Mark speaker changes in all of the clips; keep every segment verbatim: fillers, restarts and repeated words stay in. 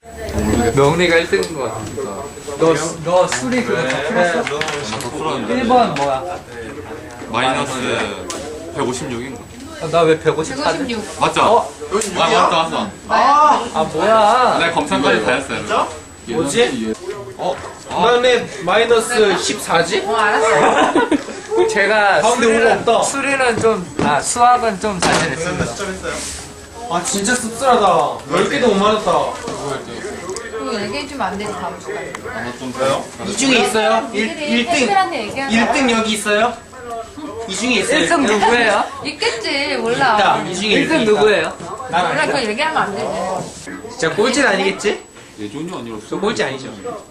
Speaker 1: 명리가 일 등인 것 같으니까. 너, 너 술이 그거 다 풀었어? 일 번 뭐야?
Speaker 2: 마이너스 백오십육인가?
Speaker 1: 나 왜 백오십 사지?
Speaker 3: 백오십육.
Speaker 2: 맞죠?
Speaker 1: 어?
Speaker 2: 아 맞다 맞다.
Speaker 1: 아, 아 뭐야?
Speaker 2: 내 검사까지 다 했어요. 진짜?
Speaker 4: 뭐지?
Speaker 2: 어?
Speaker 4: 그다음에 마이너스 십사지?
Speaker 3: 어, 알았어.
Speaker 1: 제가
Speaker 4: 가운데 오가 없다.
Speaker 1: 수리는 좀, 아 수학은 좀 자신했습니다.
Speaker 4: 아 진짜 씁쓸하다. 열 개도 못 맞았다.
Speaker 3: 그거 얘기해주면 안 되지, 다음 주까지.
Speaker 2: 좀 돼요?
Speaker 4: 이 중에 있어요? 일, 일 등.
Speaker 3: 팬들한테 얘기하면.
Speaker 4: 일 등 여기 있어요? 이 중에 있어요.
Speaker 1: 일 등 누구예요?
Speaker 3: 있겠지, 몰라.
Speaker 4: 있다. 이 중에
Speaker 1: 일 등
Speaker 4: 있다.
Speaker 1: 누구예요?
Speaker 3: 몰라, 그거 얘기하면 안 되지.
Speaker 4: 진짜 꼴찌는 아니겠지?
Speaker 2: 예전이 아니라
Speaker 4: 저 꼴찌 아니죠?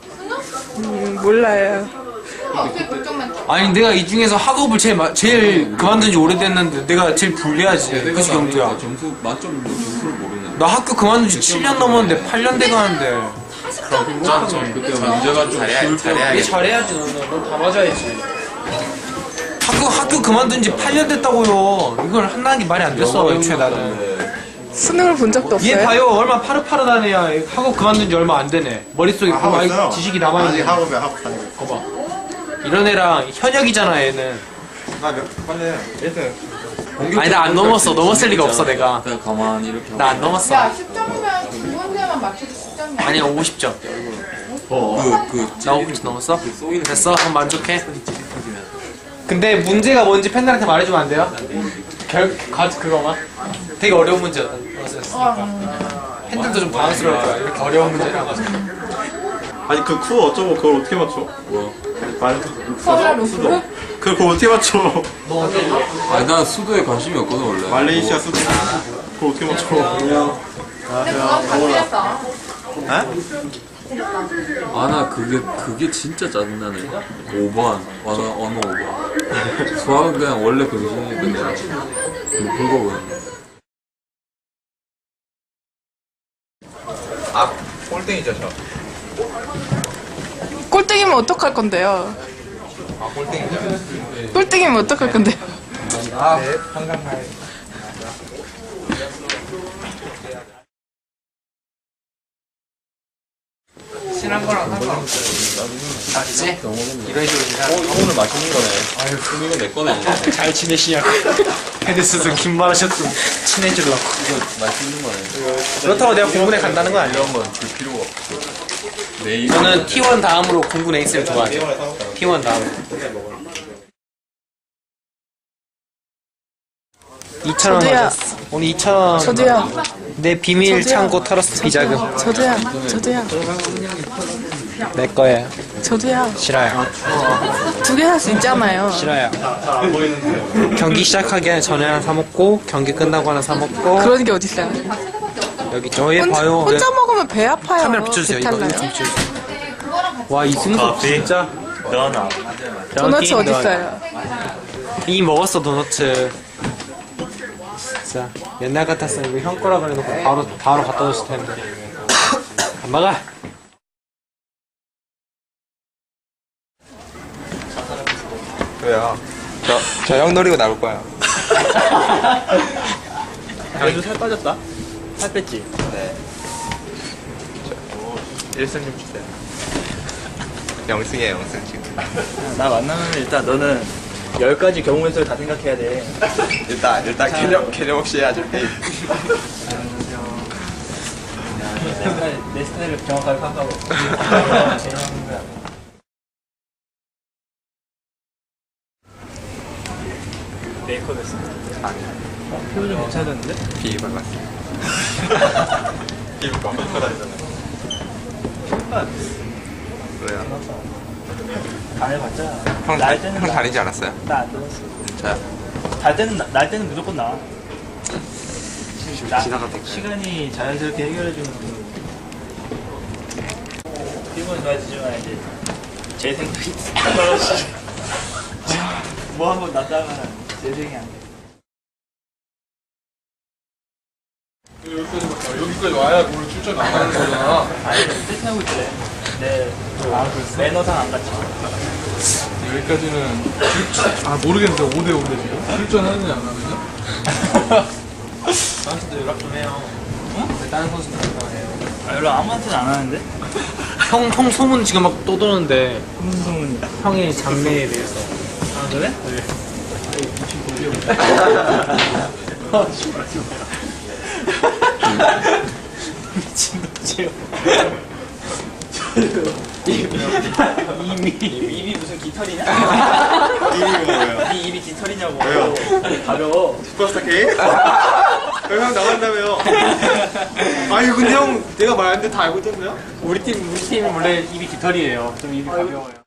Speaker 5: 몰라요.
Speaker 3: 그럼 어떻게 결정만 쳐?
Speaker 4: 아니 내가 이 중에서 학업을 제일 마- 제일 그만둔 지 오래됐는데 내가 제일 불리하지. 그치 경두야?
Speaker 2: 점수 만점 점수를 모르네.
Speaker 4: 나 학교 그만둔 지 칠 년 넘었는데 팔 년 돼가는데.
Speaker 2: 짠점 그때 문제가 좀 쉬울 때.
Speaker 4: 얘 잘해야지 너는. 넌 다 맞아야지. 학교 학교 그만둔 지 팔 년 됐다고요. 이걸 한다는 게 말이 안 됐어 애초에 나는.
Speaker 5: 수능을 본 적도
Speaker 4: 얘
Speaker 5: 없어요?
Speaker 4: 봐요 얼마 파릇파릇하네. 야 학업 그만둔 지 얼마 안 되네. 머릿속에
Speaker 6: 아,
Speaker 4: 그
Speaker 6: 하고
Speaker 4: 많이
Speaker 6: 있어요.
Speaker 4: 지식이 남아있네.
Speaker 6: 아직 학업에 학업 다니고 있어.
Speaker 4: 봐봐. 이런 애랑 현역이잖아 얘는.
Speaker 6: 나 몇, 빨리 해. 일 등.
Speaker 4: 아니 나 안 넘었어. 넘었을 리가 없어 내가.
Speaker 2: 그냥 가만히 이렇게
Speaker 4: 나 안 넘었어.
Speaker 3: 야, 십 점이면 두 문제만 맞춰도 십 점이야.
Speaker 4: 아니야 오십 점.
Speaker 2: 그그
Speaker 4: 나 오십 점 넘었어? 됐어? 그럼 만족해? 근데 문제가 뭔지 팬들한테 말해주면 안 돼요? 결, 가, 그거만? 되게 어려운 문제였다. 팬들도 좀 당황스러울 거야. 이렇게 어려운 문제라고.
Speaker 6: 아니 그 쿠 어쩌고 그걸 어떻게 맞춰?
Speaker 2: 뭐?
Speaker 6: 말
Speaker 3: 서울아, 루프?
Speaker 6: 그걸 어떻게 맞춰?
Speaker 2: 아니 난 수도에 관심이 없거든 원래.
Speaker 6: 말레이시아 수도 그걸 어떻게 맞춰?
Speaker 3: 근데 그건 다 틀렸어.
Speaker 2: 아 나 그게 그게 진짜 짜증나네. 오 번 언어 언어 오 번. 수학은 그냥 원래 병신이니까 내가 그거 보는.
Speaker 6: 아 꼴등이죠 저.
Speaker 5: 꼴등이면 어떡할 건데요?
Speaker 6: 아 꼴등이죠.
Speaker 5: 꼴등이면 어떡할 건데요?
Speaker 6: 아 네, 한강마을.
Speaker 1: 친한 거랑 상관없어.
Speaker 4: 맞지? 이런 식으로 인사.
Speaker 2: 어 이거 오늘 맛있는 거네. 아유 그럼 이거 내 거네.
Speaker 4: 잘 지내시냐고. 헤드스도 긴 말 하셨으면 친해지려고.
Speaker 2: 이거 맛있는 거네.
Speaker 4: 그렇다고 내가 공군에 간다는 건 아니야.
Speaker 2: 이런 건 줄 필요가 없어. 내일
Speaker 4: 저는 티 원 다음으로 공군 에이스를 좋아하죠. 티 원 다음으로. 이천 원
Speaker 5: 저도요.
Speaker 4: 가졌어. 오늘 이천 원.
Speaker 5: 저도요.
Speaker 4: 내 비밀
Speaker 5: 저도요.
Speaker 4: 창고 털었어 비자금.
Speaker 5: 저도요. 저도요.
Speaker 4: 내 거예요.
Speaker 5: 저도요.
Speaker 4: 싫어요.
Speaker 5: 두 개 살 수 있잖아요.
Speaker 4: 싫어요. 경기 시작하기 전에 하나 사 먹고 경기 끝나고 하나 사 먹고
Speaker 5: 그런 게 어딨어요?
Speaker 4: 여기 저얘
Speaker 5: 혼자,
Speaker 4: 봐요.
Speaker 5: 혼자 먹으면 배 아파요.
Speaker 4: 카메라 비춰주세요. 이거
Speaker 5: 배탈 나요.
Speaker 4: 이거 좀 비춰주세요. 와 이승석 진짜.
Speaker 5: 도넛이 어딨어요?
Speaker 4: 이 먹었어 도너츠. 진짜 옛날 같았으면 이거 형 거라 그래놓고 바로 바로 갖다 줬을 텐데. 안 막아.
Speaker 6: 왜요? 저 저 형 노리고 나올 거야.
Speaker 4: 요즘 살 빠졌다. 살 뺐지.
Speaker 6: 일승 좀 주세요. 영승이에요 영승 지금.
Speaker 7: 나 만나면 일단 너는 열 가지 경우의 수를 다 생각해야 돼.
Speaker 6: 일단 일단 개념 개념 없이 해야죠.
Speaker 7: 내 스타일, 내 스타일을 정확하게 파악하고. 메이크업 했어. 어, 피부 좀 괜찮았는데?
Speaker 6: 비 발랐어. 비광고 다니잖아요. 왜요?
Speaker 7: 안 해봤자.
Speaker 6: 형,
Speaker 7: 날
Speaker 6: 다,
Speaker 7: 때는
Speaker 6: 형
Speaker 7: 나-
Speaker 6: 다니지 않았어요?
Speaker 7: 나안 들었어.
Speaker 6: 저요?
Speaker 7: 날 때는, 나- 날 때는 무조건 나. 나
Speaker 6: 지나가도
Speaker 7: 시간이 자연스럽게 해결해주는 그 피부는 좋아지지만 이제 제 생각이 떨어지죠. 뭐 한번 났다가 제 생각이 안 돼.
Speaker 8: 여기까지 와야 오늘 출전 안 하는 거잖아.
Speaker 7: 아니, 세팅하고 있더래. 네, 아, 매너상 안 갔지.
Speaker 8: 여기까지는 출- 아 모르겠는데 오 대 오인데 지금 출전하느냐 안 하느냐?
Speaker 4: 나한테도 연락 좀 해요. 응? 다른 선수들 연락해요.
Speaker 7: 아, 연락 아무한테는 안 하는데?
Speaker 4: 형, 형 소문 지금 막 떠도는데
Speaker 7: 무슨 소문이야?
Speaker 4: 형의 장래에 대해서.
Speaker 7: 아, 그래? 미친 놈이에요. 입이 입이 무슨 깃털이냐?
Speaker 6: 이름이 뭐예요?
Speaker 7: 네 입이 깃털이냐고.
Speaker 6: 왜요?
Speaker 7: 가려.
Speaker 6: 슈퍼스타 K? 형 나간다며요. 아니 근데 형 내가 말했는데 다 알고 있던데요?
Speaker 4: 우리 팀, 우리 팀이 원래 입이 깃털이에요. 좀 입이 가벼워요.